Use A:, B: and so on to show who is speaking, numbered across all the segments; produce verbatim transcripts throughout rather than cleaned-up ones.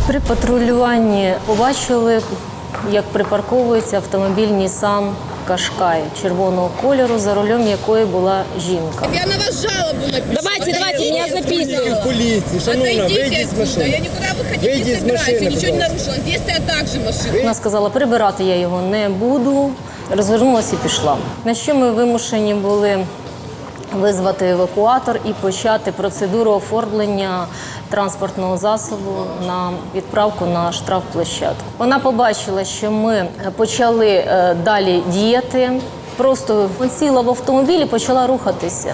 A: При патрулюванні побачили, як припарковується автомобіль Nissan Qashqai червоного кольору, за рулем якої була жінка.
B: Я на вас жалобу напишу.
C: Давайте, давайте, меня записывают.
D: Полиции, шановна, выйди из машины.
B: Я никуда выходить
D: Выйди
B: не
D: из
B: собираюсь,
D: машины,
B: я ничего не
D: пожалуйста.
B: нарушила. Здесь стоят также машины.
A: Вона сказала, прибирати я його не буду, розвернулася і пішла. На що ми вимушені були визвати евакуатор і почати процедуру оформлення транспортного засобу на відправку на штрафплощадку. Вона побачила, що ми почали е, далі діяти, просто сіла в автомобіль і почала рухатися.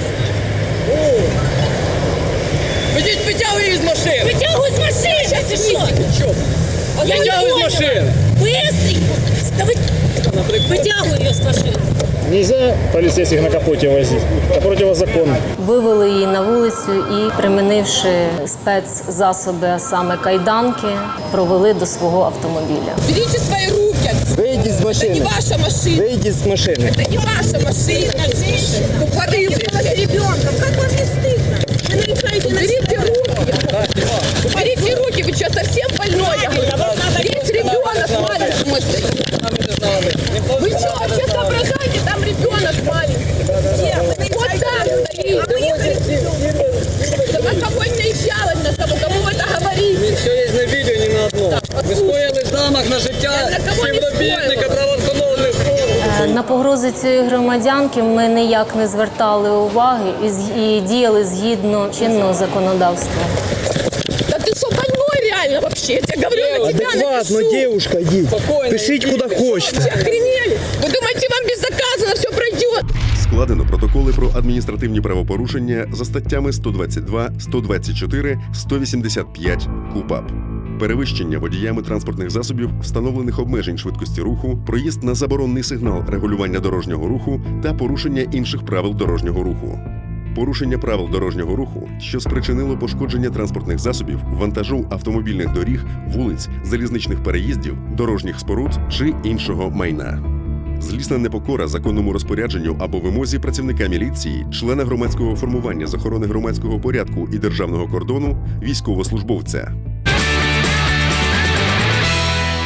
D: Вытягивай из машины!
C: Вытягивай из машины! Сейчас еще! Я не
D: Вытягивай из
C: поняла.
D: машины!
C: Быстренько! Да вы... Вытягивай ее с машины.
E: Нельзя полицейских на капоте возить. Это противозаконно.
A: Вивели її на вулицю і, примінивши спецзасоби, а саме кайданки, провели до свого автомобіля.
B: Берите свои руки отсюда.
D: Выйди из
B: Это не
D: машины!
B: ваша машина.
D: Выйди из машины!
B: Это не ваша машина. Тупорылый.
C: С ребенком. Как вам не стыдно? Вы нарушаете
B: Уберите руки. Уберите руки. Вы что, совсем больной? Здесь ребенок маленький. мой. Вы что, вообще соображаете? Там ребенок маленький. Вот там стоит. Да на кого не наезжалась на того? Кому это говорите?
D: Все є на відео, не на одному. Ви скоїли замах на життя
B: Я на кого не
D: співробітника
B: скоїла.
D: правоохоронних органів.
A: На погрози цієї громадянки ми ніяк не звертали уваги і, з- і діяли згідно чинного законодавства.
B: Да ты что, больной реально вообще? Я тебе говорю, на тебя
D: Адекватно,
B: напишу.
D: девушка, идите.
E: Спокойно,
D: Пишите
E: идите.
D: куда хочете.
B: Вы охренели? Вы думаете, вам безнаказанно все пройдет?
F: Складено протоколи про адміністративні правопорушення за статтями сто двадцять два, сто двадцять чотири, сто вісімдесят п'ять КУпАП. Перевищення водіями транспортних засобів встановлених обмежень швидкості руху, проїзд на заборонний сигнал регулювання дорожнього руху та порушення інших правил дорожнього руху. Порушення правил дорожнього руху, що спричинило пошкодження транспортних засобів, вантажу автомобільних доріг, вулиць, залізничних переїздів, дорожніх споруд чи іншого майна. Злісна непокора законному розпорядженню або вимозі працівника міліції, члена громадського формування з охорони громадського порядку і державного кордону, військовослужбовця.